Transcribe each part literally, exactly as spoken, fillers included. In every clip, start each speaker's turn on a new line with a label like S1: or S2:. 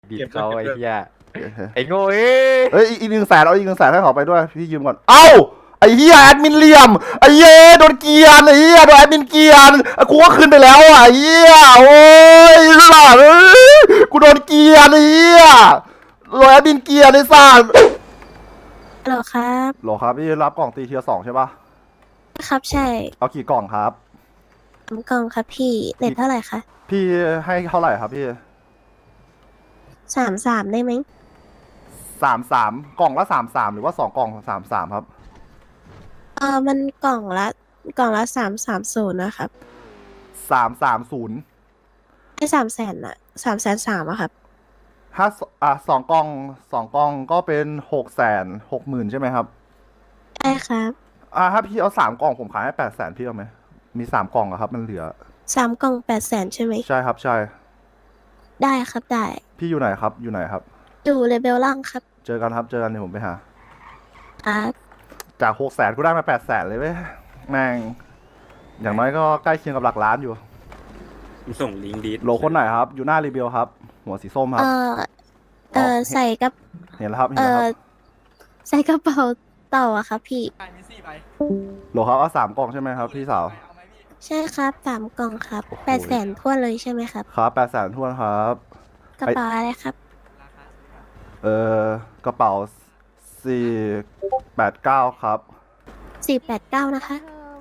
S1: บิด
S2: เก็บด้วย
S1: เขาไอ้
S2: เก็บด้วย
S1: เหี้ยไอ้โง่เอ้ย
S3: เอ้ยอีกหนึ่งแสนเอาอีกหนึ่งแสนให้เขาไปด้วยพี่ยืมก่อนเอ้าไอ้เหี้ยแอดมินเหลี่ยมไอ้เหี้ยโดนเกียร์ไอ้เหี้ยโดนแอดมินเกียร์กูก็ขึ้นไปแล้วอ่ะไอ้เหี้ยโอ้ยสัตว์เอ้ยกูโดนเกียร์ไอ้เหี้ยโดนแอดมินเกียร์ไอ้สัตว์
S4: ฮัลโหลครับ
S3: โหลครับพี่รับกล่องตีเทียร์สองใช่ปะ
S4: ครับใช่
S3: เอากี่กล่องครับ
S4: สามกล่องครับพี่เน็ตเท่าไหร่คะ
S3: พี่ให้เท่าไหร่ครับพี่
S4: สามสามได้ไหม
S3: สามสามกล่องละสามสามหรือว่าสองกล่องสามสามครับ
S4: เออมันกล่องละกล่องละสามสามศูนย์นะครับ
S3: สามสามศูนย์
S4: ไอ้สามแสนอะสามแสนสามอะครับ
S3: ถ้าอ่ะสองกล่องสองกล่องก็เป็นหกแสนหกหมื่นใช่ไหมครับ
S4: ใช่ครับ
S3: อ่าถ้าพี่เอาสามกล่องผมขายให้แปดแสนพี่เอาไหมมีสามกล่องอะครับมันเหลือ
S4: สามกล่องแปดแสนใช่ไหม
S3: ใช่ครับใช่
S4: ได้ครับได้
S3: พี่อยู่ไหนครับอยู่ไหนครับ
S4: ดูเลเวลล่างครับ
S3: เจอกันครับเจอกันเดี๋ยวผมไปหา
S4: ครับ
S3: จากหกแสนกูได้มาแปดแสนเลยเว้ยแม่งอย่างน้อยก็ใกล้เคียงกับหลักล้านอยู่
S2: ส่งลิงก์ดีด
S3: โหลคนไหนครับ อยู่หน้ารีเบลครับ หัวสีส้มค
S4: เอ
S3: รับ
S4: อเออใส่กับ
S3: เห็นแล้วครับเห็น
S4: เอ
S3: แล้วค
S4: อ
S3: รับ
S4: ใส่กระเป๋าเต่าอะครับพี่
S3: โหลครับเอาสามกล่องใช่ไหมครับพี่สาว
S4: ใช่ครับสามกล่องครับ
S3: โอ้โห
S4: แปดแสนทั่วนเลยใช่ไหมครับ
S3: ครับแปดแสนทวนครับ
S4: กระเป๋าอะไรครับ
S3: เออกระเป๋าสี่แปดเก้าครับ
S4: สี่แปดเก้านะคะ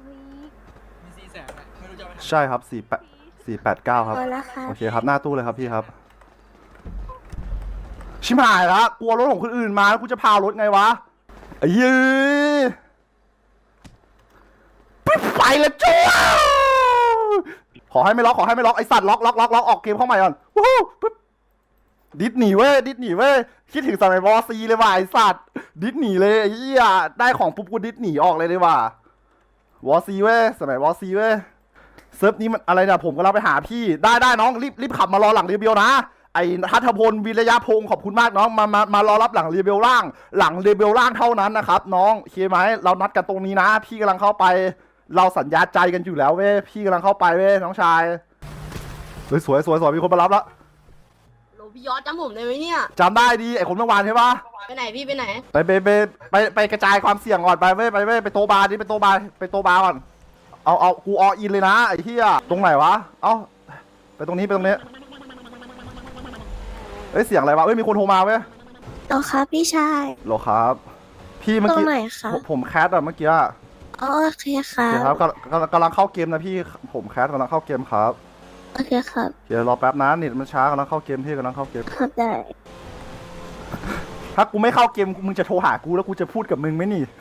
S3: ใช่ครับสี่แปดสี่แปดเก้าครับ
S4: พอแล้วครับ
S3: โอเคครับหน้าตู้เลยครับพี่ครับ ชิบหายละกลัวรถของคนอื่นมาแล้วกูจะพารถไงวะไอ้ยือไปแล้วจ้าขอให้ไม่ล็อกขอให้ไม่ล็อกไอสัตว์ล็อกล็อกล็อกล็อกออกเกมเข้าใหม่ก่อนวู้ฮู้ปึ๊บดิสหนีเว้ยดิสหนีเว้ยคิดถึงสมัยวอซีเลยว่ะไอสัตว์ดิสหนีเลยไอ้เหี้ยได้ของปุ๊บกูดิสหนีออกเลยเลยว่ะวอซีเว้ยสมัยวอซีเว้ยเซิร์ฟนี้มันอะไรเนี่ยผมก็เราไปหาพี่ได้ได้น้องรีบรีบขับมารอหลังเรียเบลนะไอ้ทัศพลวิรยะพงศ์ขอบคุณมากน้องมามามารอรับหลังเรียเบลล่าง หลังเรียเบลล่างเท่านั้นนะครับน้องโอเคไหมเรานัดกันตรงนี้นะ พี่กำลังเข้าไป เราสัญญาใจกันอยู่แล้วเว้ยพี่กำลังเข้าไปเว้ยน้องชายเฮ้ยสวยสวยสวยมีคนมารับแล้ว
S5: โหลพี่ยอดจำผมได้ไหมเนี่ย
S3: จำได้ดีไอ้คนเมื่อวานใช่ปะ
S5: ไปไหนพี่ไปไหน
S3: ไปไปไปไปไปกระจายความเสี่ยงก่อนไปเว้ยไปเว้ยไปโตะบาร์ดิไปโตะบาร์ไปโตะบาร์ก่อนเอาเอากูออินเลยนะไอ้เหี้ยตรงไหนวะเอ้าไปตรงนี้ไปตรงนี้เอ้ยเสียงอะไรวะเอ้ยมีคนโทรมาเว้ย
S4: ต่อครับพี่ชาย
S3: โหรอครับ พี่เมื่อ
S4: ตรง
S3: กี้
S4: ไหนคะ
S3: ผมผมแคสอะเมื่อกี้อะ
S4: อ๋อโอเคครั
S3: โอเคครับ
S4: บ
S3: กำลังกำลังเข้าเกมนะพี่ผมแคสกำลังเข้าเกมครับ
S4: โอเคครับ
S3: เดี๋ยวรอแป๊บนะเน็ตมันช้ากำลังเข้าเกมพี่กำลังเข้าเกม
S4: ครับได้
S3: ถ้ากูไม่เข้าเกมมึงจะโทรหากูแล้วกูจะพูดกับมึงไหมนี่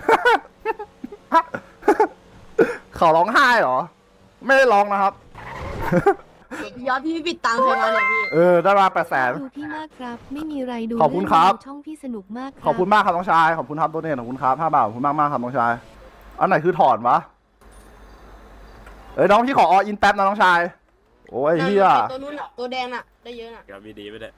S3: เขาร้องไห้เหรอ ไม่ได้ร้องนะครับ
S5: พี่ยอดพี่ปิดตังค์ใครมาเนี่ยพี่
S3: เออได้มาแปดแสน
S6: ดูพี่มากครับ ไม่มีไรดู
S3: ขอบคุณครับ
S6: เองช่องพี่สนุกมากรั
S3: ขอบคุณมากครับน้องชายขอบคุณครับตัวเนี่ยขอบคุณครับห้าบาทขอบคุณมากมากครับน้องชายอันไหนคือถอนวะเอ้ยน้องพี่ขอออินแป๊บนะน้องชายโอ้ยเฮีย
S5: ตัวนู้นน่ะตัวแดงน่ะได้เยอะน่ะ
S2: ครับมีดีไปเลย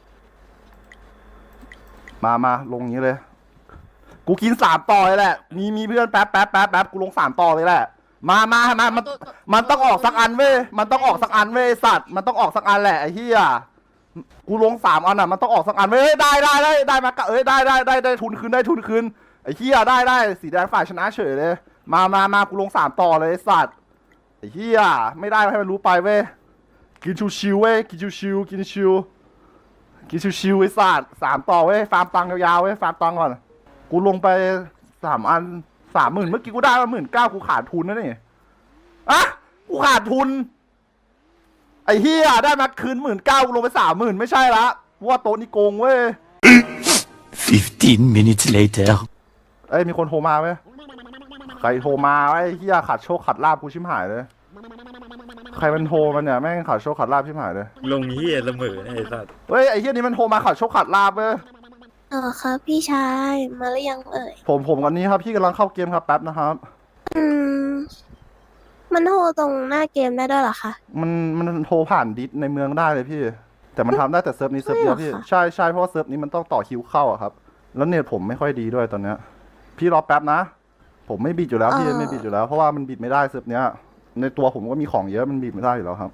S3: มามาลงอย่างนี้เลย กูกินสามต่อเลยแหละ มีมีเพื่อนแป๊บแป๊บแป๊บแป๊บกูลงสามต่อเลยแหละ มามามามัน
S5: ตัวตัว
S3: มันต้องออกสักอันเว้ย มันต้องออกสักอันเว้ยสัตว์ มันต้องออกสักอันแหละไอ้เหี้ย กูลงสามอันอ่ะ มันต้องออกสักอันเว้ยได้ได้ได้ได้มากะเอ้ยได้ได้ได้ได้ทุนคืนได้ทุนคืนไอ้เหี้ยได้ได้สีแดงฝ่ายชนะเฉยเลย มามามากูลงสามต่อเลยไอ้สัตว์ไอ้เหี้ยไม่ได้ให้มันรู้ไปเว้ย กินชิวๆเว้ย กินชิวๆกินชิวกินชิวๆไอ้สัตว์สามต่อเว้ย ฟาร์มตังค์ยาวๆเว้ย ฟาร์มตังค์ก่อน กูลงไปสามอันสามหมื่นเมื่อกี้กูได้มาหมื่นเก้ากูขาดทุนนะนี่ อะกูขาดทุน ไอ้เฮียได้มาคืนหมื่นเก้ากูลงไปสามหมื่นไม่ใช่ละเพราะว่าโต๊ะนี่โกงเว้ย
S7: Fifteen minutes later.
S3: เอ้ยมีคนโทรมาเว้ยใครโทรมาไอ้เฮียขาดโชคขาดลาบกูชิมหายเลย ใครมันโทรมันเนี่ยแม่งขาดโชคขาดลาบชิมหายเลย
S2: ลงเฮียเสมอเนี่ยไอ้สัตว์
S3: เฮ้ยไอ้เฮียนี่มันโทรมาขาดโชคขาดลาบเว้ย
S4: ต่อครับพี่ชายมาหรือยังเอ่ย
S3: ผมผมกันนี้ครับพี่กำลังเข้าเกมครับแป๊บนะครับ
S4: อืมมันโทรตรงหน้าเกมได้ด้วยเหรอคะ
S3: มันมันโทรผ่านดิสในเมืองได้เลยพี่ แต่มันทำได้แต่เซิร์ฟนี้เซิร์ฟเดียวพี่
S4: ใช่เหรอคะ
S3: ใช่ใช่เพราะว่าเซิร์ฟนี้มันต้องต่อคิวเข้าอะครับ แล้วเน็ตผมไม่ค่อยดีด้วยตอนเนี้ย พี่รอแป๊บนะ ผมไม่บิดอยู่แล้วพี่ไม่บิดอยู่แล้วเพราะว่ามันบิดไม่ได้เซิร์ฟเนี้ย ในตัวผมก็มีของเยอะมันบิดไม่ได้อยู่แล้วครับ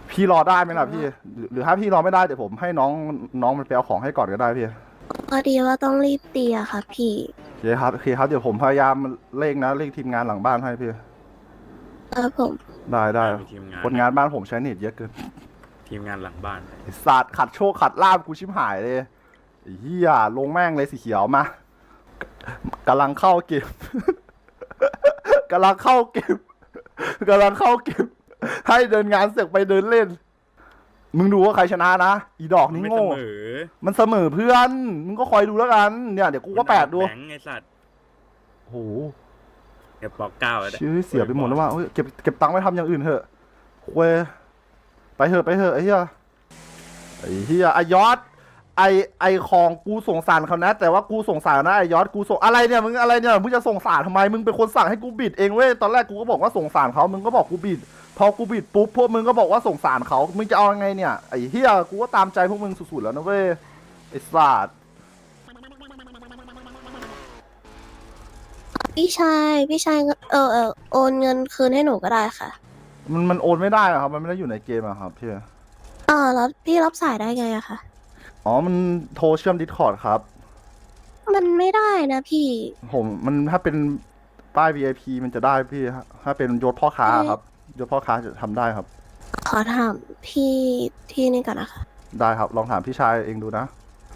S3: พี่รอได้ไหมล่ะพี่หรือหรือถ้าพี่รอไม่ได้เดี๋ยวผมให้น้องน้องมันไปเอาของให้ก่อนก็ได้พี่
S4: พอดีว่าต้องรีบตีอะค่ะพี่
S3: โอเคครับโอเคครับเดี๋ยวผมพยายามเร่งนะเร่งทีมงานหลังบ้านให้พี่
S4: ครับผม
S3: ได้ได้
S2: มีทีมงาน
S3: คนงานบ้านผมใช้เน็ตเยอะเกิน
S2: ทีมงานหลังบ้าน
S3: ไอ้สัตว์ขัดโชคขัดลาบกูชิบหายเลยไอ้เหี้ยลงแม่งเลยสีเขียวมากำลังเข้าเก็บ กำลังเข้าเก็บกำลังเข้าเก็บ ให้เดินงานเสร็จไปเดินเล่น มึงดูว่าใครชนะนะอีดอกนี้
S2: ไม่เส
S3: โง่
S2: มอ
S3: มันเสมอเพื่อนมึงก็คอยดูแล้วกันเนี่ยเดี๋ยวกูก็แปดดู
S2: แบงค์ไอ้สัตว์
S3: โอ้โห
S2: เก็บปอกเก้าแล้ว
S3: ชื่อเสียไปหมดแล้วว่าเฮ้ยเก็บเก็บตังค์ไว้ทำอย่างอื่นเถอะเว้ยไปเถอะไปเถอะไอ้เหี้ยไอ้เหี้ยไอยอดไอไอของกูสงสารเขานะแต่ว่ากูสงสารนะไอยอดกูส่งอะไรเนี่ยมึงอะไรเนี่ยมึงจะสงสารทำไมมึงเป็นคนสั่งให้กูบิดเองเว้ยตอนแรกกูก็บอกว่าสงสารเขามึงก็บอกกูบิดพอกูบิดปุ๊บพวกมึงก็บอกว่าสงสารเขามึงจะเอายังไงเนี่ยไอ้เหี้ยกูก็ตามใจพวกมึงสุดๆแล้วนะเว้ยไอ้สัตว์
S4: พี่ชายพี่ชายเออเออโอนเงินคืนให้หนูก็ได้ค่ะ
S3: มันมันโอนไม่ได้อะครับมันไม่ได้อยู่ในเกมอะครับพี่
S4: อ๋อแล้วพี่รับสายได้ไงอะคะ
S3: อ๋อมันโทรเชื่อมดิสคอร์ดครับ
S4: มันไม่ได้นะพี่
S3: ผมมันถ้าเป็นป้าย วี ไอ พี มันจะได้พี่ฮะถ้าเป็นยศพ่อค้าครับยศพ่อค้าจะทำได้ครับ
S4: ขอถามพี่ที่นี่ก่อนนะคะ
S3: ได้ครับลองถามพี่ชายเองดูนะ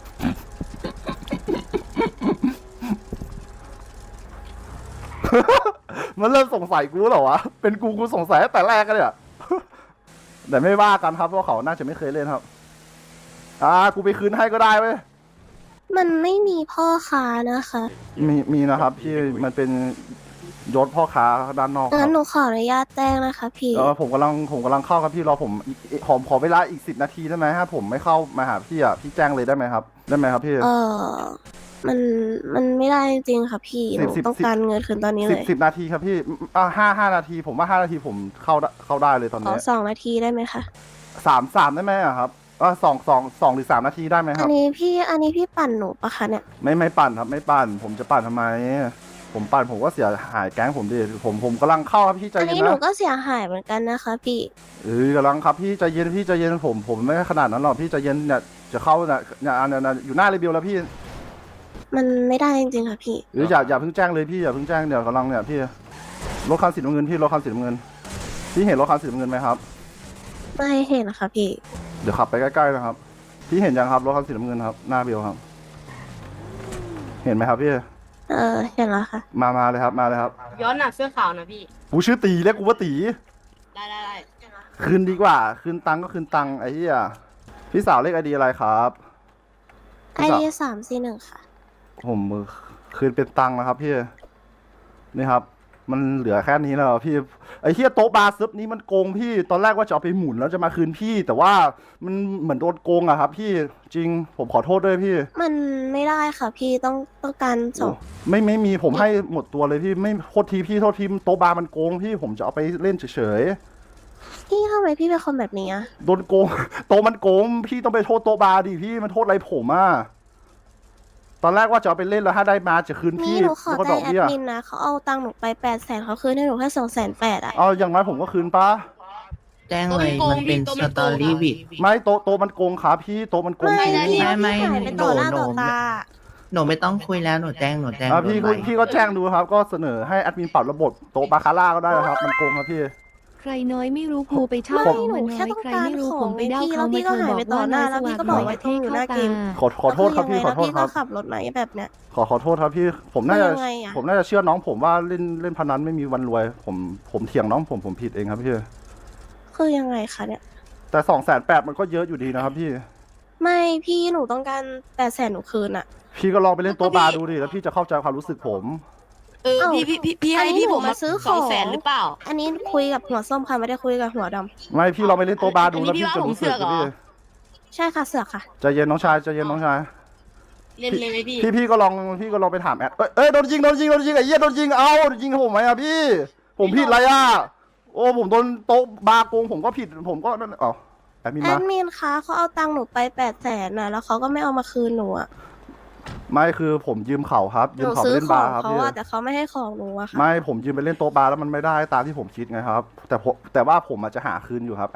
S3: มันเริ่มสงสัยกูเหรอวะเป็นกูกูสงสัยตั้งแต่แรกกันเนี่ย แต่ไม่ว่ากันครับเพราะเขาน่าจะไม่เคยเล่นครับอ่ากูไปคืนให้ก็ได้เว้ย
S4: มันไม่มีพ่อค้านะคะ
S3: มีมีนะครับพี่มันเป็นยศพ่อค้าด้านนอกค
S4: งั้
S3: รั
S4: น
S3: บ
S4: หนูขออนุญาตแจ้งนะคะพี่
S3: เออผมกำลังผมกำลังเข้าครับพี่รอผมอีกอีกขอขอเวลาอีกสิบนาทีได้ไหมถ้าผมไม่เข้ามาหาพี่อ่ะพี่แจ้งเลยได้ไหมครับได้ไหมครับพี่
S4: เออมันมันไม่ได้จริงๆค่ะพี่ห
S3: สิ
S4: นู
S3: บสิบ
S4: ต้องการเงินคืนตอนนี้
S3: สิ
S4: เล
S3: บ
S4: ย
S3: สิบนาทีครับพี่อ่าห้าห้านาทีผมว่าห้านาทีผมเข้าได้เข้าได้เลยตอน
S4: ขอ
S3: นี้
S4: สองนาทีได้ไหมคะ
S3: สามสามได้ไหมอะครับอ่าสองสองสองหรือสามนาทีได้ไหมค
S4: อั
S3: รั
S4: น
S3: บ
S4: นี้พี่อันนี้พี่ปั่นหนูปะคะเนี่ย
S3: ไม่ไม่ปั่นครับไม่ปั่น ผมจะปั่นทำไม ผมปั่นผมก็เสียหายแก๊งผมดิผมผมกำลังเข้าครับพี่ใจ
S4: อัน
S3: เย็น
S4: นี้หนู
S3: นะ
S4: ก็เสียหายเหมือนกันนะคะพี่
S3: เออกำลังครับพี่ใจเย็นพี่ใจเย็นผมผมไม่ขนาดนั้นหรอกพี่ใจเย็นเนี่ยจะเข้าเนี่ยเนี่ยอันเนี่ยอยู่หน้าเรเบลแล้วพี่
S4: มันไม่ได้จริงๆค่ะพี่
S3: หรืออย่าอย่าเพิ่งแจ้งเลยพี่อย่าเพิ่งแจ้งเดี๋ยวกำลังเนี่ยพี่รถคันสีน้ำเงินพี่รถคันสีน้ำเงินพี่เห็นรถคันสีน้ำเงินไหมครับ
S4: ไม่เห็นนะคะพี่
S3: เดี๋ยวขับไปใกล้ๆนะครับพี่เห็นยังครับรถคันสีน้ำเงินครับหน้าเบลครับ เห็นไหมครับพี่
S4: เออเห็นแล้วค่ะ
S3: มามาเลยครับมาเลยครับ
S5: ย้อนหนักเสื้อขาวนะพี่
S3: กูชื่อตีเรียกกูว่าตี
S5: ได้ได้ได้
S3: คืนดีกว่า คืนตังค์ก็คืนตังค์ไอ้เหี้ยพี่สาวเลขไอดีอะไรครับ
S4: ไอ
S3: พี่สาว
S4: ดีสามสี่หนึ่งค่ะ
S3: ผมมือคืนเป็นตังค์นะครับพี่นี่ครับ มันเหลือแค่นี้แล้วพี่ไอ้เหี้ยโต๊ะบาร์ซึบนี้มันโกงพี่ตอนแรกว่าจะเอาไปหมุนแล้วจะมาคืนพี่ แต่ว่ามันเหมือนโดนโกงอะครับพี่จริงผมขอโทษด้วยพี่
S4: มันไม่ได้ค่ะพี่ต้องต้องการส่ง
S3: ไม่ไม่มีผมให้หมดตัวเลยพี่ไม่โทษทีพี่โทษทีโต๊ะบาร์มันโกงพี่ผมจะเอาไปเล่นเฉย
S4: พี่ทำไมพี่เป็นคนแบบนี้อะ
S3: ๆโดนโกง โต๊ะมันโกงพี่ต้องไปโทษโต๊ะบาร์ดิพี่มันโทษอะไรผมอ่ะตอนแรกว่าจะเอาไปเล่นแล้วถ้าได้มาจะคืน
S4: นี่
S3: พี่
S4: หนูขอ
S3: แล้วก็ด
S4: แจ้
S3: อง ก
S4: แอ
S3: เบี้
S4: ด
S3: ย
S4: มินนะเขาเอาตังค์หนูไปแปดแสนเขาคืนให้หนูแค่สองแสนแปดอะ
S3: เอาอย่างไรผมก็คืนปะ
S8: แจ้งเลยมันเป็นสตอรี่วิด
S3: ไม่โต๊ะโต๊ะมันโกงครับพี่โต๊ะมันโกง
S4: ไม่
S3: จริง
S4: พี่
S8: ไม่ไม่
S4: พี่หายไปต่อหน้า
S8: หนู
S4: ต่อตา
S8: หนูไม่ต้องคุยแล้วหนูแจ้งหนูแจ้ง
S3: อ่ะพี่
S8: โดน
S3: พี่ก็แจ้งดูครับ ก็เสนอให้แอดมินปรับระบบโต๊ะบาคาร่าก็ได้นะครับ มันโกงครับพี่
S6: ใครน้อยไม่รู้ภูไปเช่า
S4: ไม่
S6: เขา
S4: หนู
S6: มา
S4: แค่
S6: น้อย
S4: ต้อง
S6: ใคร
S4: การ
S6: ไม่รู้
S4: ข
S6: ผ
S4: อง
S6: มไป
S4: ไง
S6: เด้า
S4: พี่
S6: เขา
S4: แล้วพี่
S6: มา
S4: ก็
S6: โทร
S4: หาย
S6: บ
S4: ไป
S6: อก
S4: ต่อ
S6: ว่า
S4: หน้า
S6: นา
S4: แล้ว
S6: ส
S4: พี่
S6: วัส
S4: ก็
S6: ดิ์
S4: บอก
S6: ป
S4: ว่า
S6: ระ
S4: ต้
S6: เท
S4: อง
S6: ศ
S4: อยู่ห
S6: เข้า
S4: น้าเก
S6: ตา
S4: ม
S3: ขอขอโทษครับพี่ขอโทษครับ
S4: แล้วคือยังไงแล้วพี่ก็ขับรถมาแบบเนี้ย
S3: ขอขอโทษครับพี่ ผมน่าจะ
S4: คือยังไงอะ
S3: ผมน่าจะเชื่อน้องผมว่าเล่นเล่นพนันไม่มีวันรวย ผมผมเถียงน้องผมผมผิดเองครับพี่
S4: คือยังไงคะเนี่ย
S3: แต่สองแสนแปดมันก็เยอะอยู่ดีนะครับพี่
S4: ไม่พี่หนูต้องการแปดแสนหนูคืนอะ
S3: พี่ก็ลองไปเล่นโต๊ะบาร์ดูดิแล้วพี่จะเข้าใจความรู้สึกผม
S5: เออ
S4: เอ้า
S5: พี่พี่พี่พี่
S4: อัน
S5: ให้
S4: นี้
S5: พี่
S4: หนู
S5: ผม
S4: มาซื้อ
S5: สอง
S4: ของ
S5: แสนหรือเปล่า
S4: อันนี้คุยกับหัวส้มค่ะไม่ได้คุยกับหัวดำ
S3: ไม่พี่ลองไปเล่นโต๊ะบาร์ดู
S5: อันนี้
S3: แล้ว
S5: พี่
S3: พี่
S5: ว่า
S3: จะ
S5: ผม
S3: รู้สึก
S5: เสือกเหรอ
S3: พี่
S4: ใช่ค่ะเสือกค่ะ
S3: ใจเย็นน้องชายใจเย็นน้องชาย
S5: เล่นเลยไหมพี่
S3: พี่พี่ก็ลองพี่ก็ลองไปถามแอดเอ้ยเอ้ยโดนยิงโดนยิงโดนยิงไอ้เหี้ยโดนยิงเอ้าโดนยิงผมไหมอะพี่ ผมผิดอะไรอะโอ้ผมโดนโต๊ะบาร์โกงผมก็ผิดผมก็นั่นเอ้าแอดมิน
S4: แอ
S3: มา
S4: ดมินคะเขาเอาตังค์หนูไปแปดแสนน่ะแล้วเขาก็ไม่เอามาคืนหนูอะ
S3: ไม่คือผมยืมเขาครับ
S4: ห
S3: ยืม
S4: นู
S3: เขาไป
S4: ซื้อ
S3: เล่น
S4: ข
S3: บา
S4: อง
S3: ร์ครับ
S4: เขา
S3: พี่
S4: อะแต่เขาไม่ให้ของหนูอะค่ะ
S3: ไม่ผมยืมไปเล่นโต๊ะบาร์แล้วมันไม่ได้ตามที่ผมคิดไงครับ แต่ผมแต่ว่าผมอาจจะหาคืนอยู่ครับแอด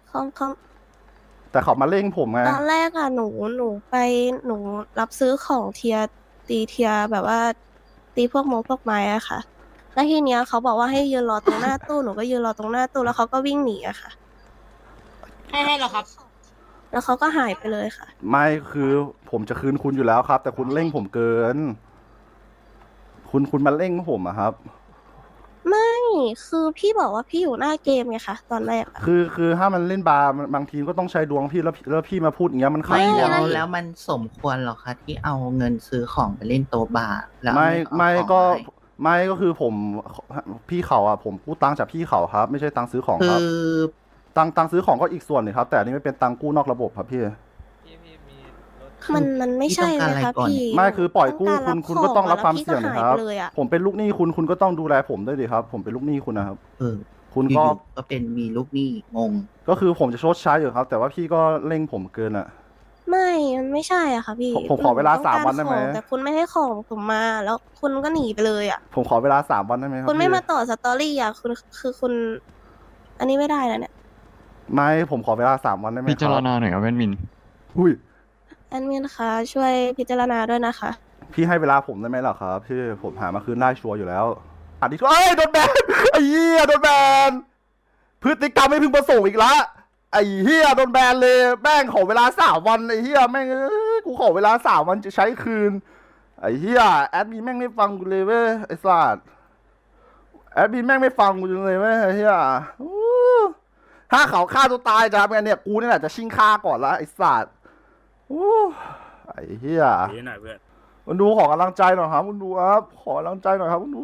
S4: เขาเขา
S3: แต่เขามาเร่งผมไง
S4: ตอนแรกอะหนูหนูไปหนูรับซื้อของเทียตีเทียแบบว่า ตีพวกโมพวกไม้อะค่ะ แล้วทีเนี้ยเขาบอกว่าให้ยืนรอตรงหน้าตู้หนูก็ยืนรอตรงหน้าตู้แล้วเขาก็วิ่งหนีอะค่ะ
S5: ให้ให้เหรอครับ
S4: แล้วเขาก็หายไปเลยค่ะ
S3: ไม่คือผมจะคืนคุณอยู่แล้วครับ แต่คุณเร่งผมเกิน คุณคุณมาเร่งผมอะครับ
S4: ไม่คือพี่บอกว่าพี่อยู่หน้าเกมไงคะตอนแรกอะ
S3: คือคือถ้ามันเล่นบาร์มันบางทีก็ต้องใช้ดวงพี่แล้วแล้วพี่มาพูดอย่างเงี้ยมันขัด
S8: ไม่
S3: ดวง
S8: แล้วแล้วมันสมควรหรอคะที่เอาเงินซื้อของไปเล่นโต๊ะบาร์แล้ว
S3: ไม่
S8: เอา
S3: ไม่
S8: ของ
S3: ก็
S8: ให้
S3: ไม่ก็คือผมพี่เขาอ่ะผมกู้ตังค์จากพี่เขาครับ ไม่ใช่ตังค์ซื้อของ
S8: คื
S3: ครับ
S8: อ
S3: ตังค์ตังค์ซื้อของก็อีกส่วนหนึงครับ แต่อันนี้ไม่เป็นตังค์กู้นอกระบบครับพี่
S4: มันมันไม่ใช่นะคะพี่
S3: ไม่คือปล่อยกู้
S4: ต้
S3: คุณ
S4: าร
S3: คุณก็ต้องรับความ
S4: แล้วพี่
S3: เสี่ยง
S4: ก็
S3: นะ
S4: หา
S3: ครับ
S4: ไปเลยอะ
S3: ผมเป็นลูกหนี้คุณคุณก็ต้องดูแลผมด้วยดิครับ ผมเป็นลูกหนี้คุณนะครับ
S8: เออ
S3: คุณ
S8: อ
S3: ก็
S8: ยู่ๆก็เป็นมีลูกหนี้งง
S3: ก็คือผมจะชดใช้อยู่ครับ แต่ว่าพี่ก็เร่งผมเกินอ่ะ
S4: ไม่มันไม่ใช่อ่ะค่ะพี่
S3: ผมผมขอเวลา
S4: ต้ง
S3: สาม
S4: กร
S3: วันได้ไหม
S4: ของแต่คุณไม่ให้ของผมมา แล้วคุณก็หนีไปเลยอ่ะ
S3: ผมขอเวลาสามวันได้ไหมครับ
S4: คุณไม่
S3: พี่
S4: มาต่อสตอรี่อ่ะคุณคือคุณ อันนี้ไม่ได้แล้วเนี่ย
S3: ไม่ผมขอเวลาสามวันได้ไหม
S1: พิจารณาหน่อยครับแว่นมิน
S3: อุ้ย
S4: แอดมินคะช่วยพิจารณาด้วยนะคะ
S3: พี่ให้เวลาผมได้ไหมล่ะครับพี่ผมหามาคืนได้ชัวร์อยู่แล้วอันนี้ก็เอ้ยโดนแบนไอ้เหี้ยโดนแบนพฤติกรรมไม่พึงประสงค์อีกละไอ้เหี้ยโดนแบนเลยแม่งขอเวลาสามวันไอ้เหี้ยแม่งเอ้ยกูขอเวลาสามวันจะใช้คืนไอ้เหี้ยแอดมินแม่งไม่ฟังกูเลยเว้ยไอ้สัสแอดมินแม่งไม่ฟังกูเลยเว้ยไอ้เหี้ยอู้ถ้าเขาฆ่าตัวตายจะทำไงเนี่ยกูนี่แหละจะชิงฆ่าก่อนละไอ้สัสอู้ไอ้เหี้ย
S2: ดีหน่อยเพื่อน
S3: คุณดูขอกำลังใจหน่อยครับคุณดูครับขอกำลังใจหน่อยครับคุณดู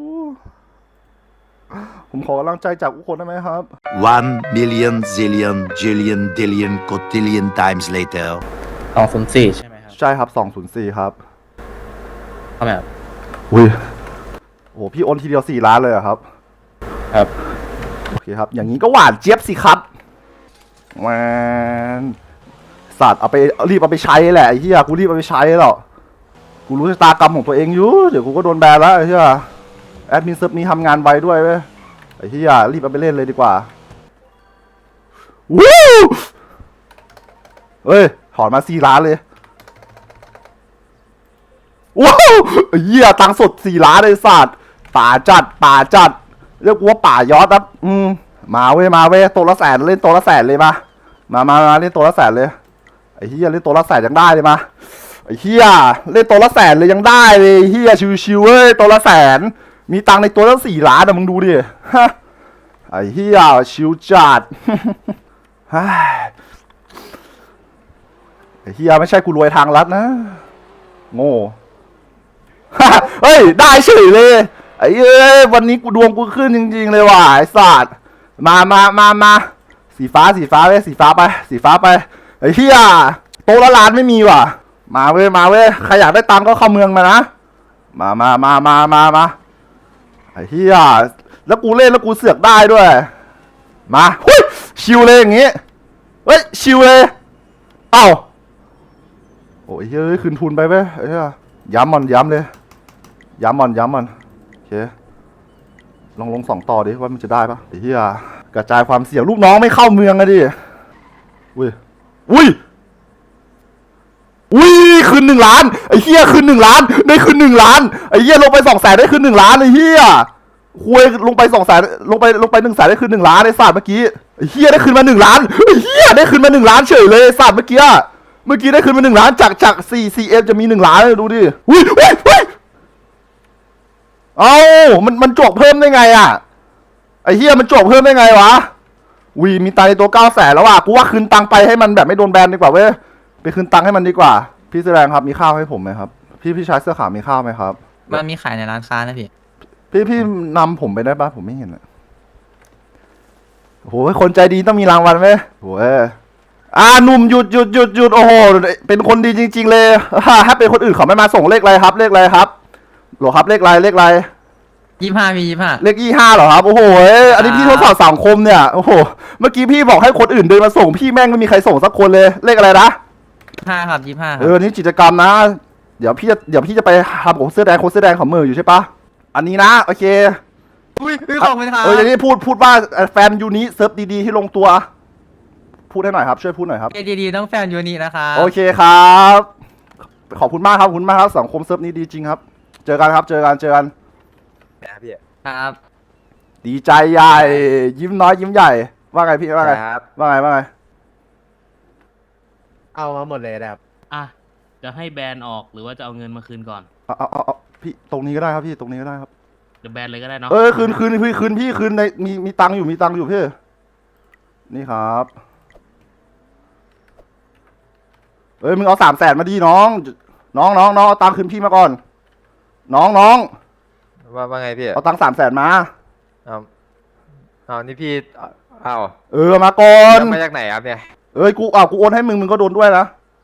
S3: ผมขอกำลังใจจากทุกคนได้ไหมครับ
S7: One million zillion jillion dillion cotillion times later.
S1: สองศูนย์สี่ใช่ไหมครับ
S3: ใช่ครับสองศูนย์สี่ครับ
S1: ทำไมครับ
S3: อุ้ยโอ้โหพี่โอนทีเดียวสี่ล้านเลยเหรอครับ
S1: ครับ
S3: โอเคครับ อย่างนี้ก็หวานเจี๊ยบสิครับแมนสัตว์เอาไปรีบเอาไปใช้แหละไอ้เหี้ยกูรีบเอาไปใช้หรอกกูรู้ชะตากรรมของตัวเองอยู่เดี๋ยวกูก็โดนแบนแล้วไอ้เหี้ยแอดมินเซิร์ฟนี้ทำงานไวด้วยเว้ยไอ้เหี้ยรีบเอาไปเล่นเลยดีกว่าวู้เอ้ยถอนมาสี่ล้านเลยว้าวไอ้เหี้ยตังค์สดสี่ล้านเลยสัตว์ป่าจัดป่าจัดเรียกกูว่าป่ายอดครับอืมมาเว้ยมาเว้ยตัวละแสนเล่นตัวละแสนเลยมามามามาเล่นตัวละแสนเลยไอ้เหี้ยเล่นตัวละแสนยังได้เลยมาไอ้เหี้ยเล่นตัวละแสนเลยยังได้เลยไอ้เหี้ยชิวๆเว้ยตัวละแสนมีตังค์ในตัวละสี่ล้านอะมึงดูดิฮะไอ้เหี้ยชิวจัด ไอ้เหี้ยไม่ใช่กูรวยทางลัดนะโง่ เฮ้ยได้เฉยเลยไอ้เอ้ยวันนี้กูดวงกูขึ้นจริงๆเลยว่ะไอ้สัตว์มามามามาสีฟ้าสีฟ้าเว้ยสีฟ้าไปสีฟ้าไปไอ้เหี้ยโตะละล้านไม่มีว่ะมาเว้ยมาเว้ยใครอยากได้ตังค์ก็เข้าเมืองมานะมามามามามามาไอ้เหี้ยแล้วกูเล่นแล้วกูเสือกได้ด้วยมาหุ้ยชิวเลยอย่างงี้เฮ้ยชิวเลยเอ้าโอ้ยเฮ้ยคืนทุนไปเว้ยไอ้เหี้ยย้ำมันย้ำเลยย้ำมันย้ำมันโอเคลองลงสองต่อดิว่ามันจะได้ปะไอ้เหี้ยกระจายความเสี่ยงลูกน้องไม่เข้าเมืองอะดิอุ้ยอุ้ยอุ้ยคืนหนึ่งล้านไอ้เหี้ยคืนหนึ่งล้านได้คืนหนึ่งล้านไอ้เหี้ยลงไปสองแสนได้คืนหนึ่งล้านไอ้เหี้ยคุยลงไปสองแสนลงไปลงไปหนึ่งแสนได้คืนหนึ่งล้านไอ้สัตว์เมื่อกี้ไอ้เหี้ยได้คืนมาหนึ่งล้านไอ้เหี้ยได้คืนมาหนึ่งล้านเฉยเลยไอ้สัตว์เมื่อกี้เมื่อกี้ได้คืนมาหนึ่งล้านจากจากสี่สี่เอ็มจะมีหนึ่งล้านดูดิอุ้ยอุ้ยอุ้ยเอ้ามันมันจวกเพิ่มได้ไงอ่ะไอ้เหี้ยมันจวกเพิ่มได้ไงวะวีมีตังค์ในตัวเก้าแสนแล้วอ่ะกูว่าคืนตังค์ไปให้มันแบบไม่โดนแบนดีกว่าเว้ยไปคืนตังค์ให้มันดีกว่าพี่แสดงครับมีข้าวให้ผมไหมครับพี่พี่ชายเสื้อขาวมีข้าวไหมครับ
S9: มันมีขายในร้านค้านะพี่
S3: พี่พี่นำผมไปได้ปะผมไม่เห็นอ่ะโหคนใจดีต้องมีรางวัลไหมโหอ่าหนุ่มหยุดหยุดหยุดหยุดโอ้โหเป็นคนดีจริงๆเลยถ้าเป็นคนอื่นเขาไม่มาส่งเลขอะไรครับเลขอะไรครับหรอครับเลขอะไรเลขอะไร
S9: ยี่ห้ามียี่ห้า
S3: เลขยี่ห้าเหรอครับโอ้โหอันนี้พี่ทดสอบสังคมเนี่ยโอ้โหเมื่อกี้พี่บอกให้คนอื่นเดินมาส่งพี่แม่งไม่มีใครส่งสักคนเลยเลขอะไรนะ
S9: ห้าครับยี่ห้า
S3: เออนี่กิจกรรมนะเดี๋ยวพี่จะเดี๋ยวพี่จะไปทำของเสื้อแดงคนเสื้อแดงของมืออยู่ใช่ปะอันนี้นะโอเค
S9: อุ้ยอุ้ยขอบคุณครับ
S3: เอออย่างนี้พูดพูดว่าแฟนยูนิเซิร์ฟดีๆที่ลงตัว พูพูดให้หน่อยครับช่วยพูดหน่อยครับ
S9: เอดีดีต้องแฟนยูนินะครับ
S3: โอเคครับขอบคุณมากครับขอบคุณมากครับสังคมเซิร์ฟนี้ดีจริงครับ เจอกันครับเจอกันเจอกัน
S9: ครับ
S3: ดีใจใหญ่ ยิ้มน้อยยิ้มใหญ่ ว่าไงพี่ว่าไงว่าไงว่าไง
S10: เอามาหมดเลยนะครับ
S11: อ่ะ จะให้แบนออกหรือว่าจะเอาเงินมาคืนก่อน
S3: เอาเอาเอาเอาพี่ตรงนี้ก็ได้ครับพี่ตรงนี้ก็ได้ครับ
S11: เดี๋ยวแบนเลยก็ได้เนาะ
S3: เออคืนคืนพี่คืนพี่คืนในมีมีตังค์อยู่มีตังค์อยู่พี่นี่ครับเอ้ยมึงเอาสามแสนมาดีน้อง น้องน้องน้องเอาตังค์คืนพี่มาก่อน น้องน้อง
S10: ว่าว่าไงพี่
S3: เอาตังค์สามแสนมา
S10: เอาเอานี่พี่เอา
S3: เออมาก่อน
S10: มาจากไหนครับเนี่ย
S3: เอ้ยกูอ่ะกูโอนให้มึงมึงก็โดนด้วยนะ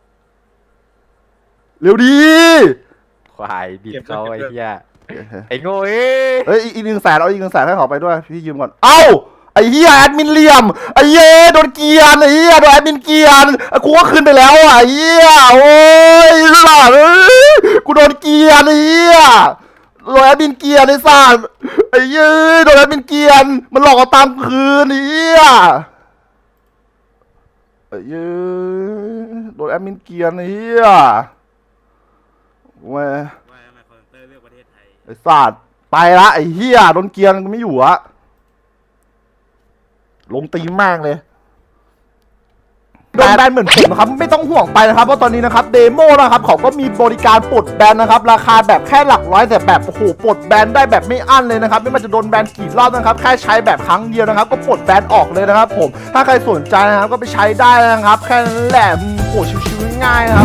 S3: เร็วดี
S10: ควายบิดเขาไอ้เหี้ยไอ้โง่เอ้ย
S3: เอ้ยอีกหนึ่งแสนเอาอีกหนึ่งแสนให้เขาไปด้วยพี่ยืมก่อนเอ้าไอ้เหี้ยแอดมินเหลี่ยมไอ้เหี้ยโดนเกียร์ไอ้เหี้ยโดนแอดมินเกียร์กูก็คืนไปแล้วอ่ะไอ้เหี้ยโอ้ยหล่าเอ้ยกูโดนเกียร์ไอ้เหี้ยโดนแอดมินเกียร์ไอ้สัสไอ้เหี้ยโดนแอดมินเกียร์มันหลอกเอาตังค์คืนไอ้เหี้ยไอ้เหี้ยโดนแอดมินเกียร์ไอ้เหี้ยเว้ย
S2: ว่าทำไมคอนเตอร์เลือกประเทศไทย
S3: ไอ้สัตว์ไปละไอ้เหี้ยโดนเกียร์ไม่อยู่อะลงตีมมากเลยโดนแบนเหมือนผมนะครับไม่ต้องห่วงไปนะครับเพราะตอนนี้นะครับเดโมนะครับเขาก็มีบริการปลดแบนนะครับราคาแบบแค่หลักร้อยแต่แบบโอ้โหปลดแบนได้แบบไม่อั้นเลยนะครับไม่ว่าจะโดนแบนกี่รอบนะครับแค่ใช้แบบครั้งเดียวนะครับก็ปลดแบนออกเลยนะครับผมถ้าใครสนใจนะครับก็ไปใช้ได้นะครับแค่นั้นแหละโอ้โหชิวๆง่ายๆนะครับ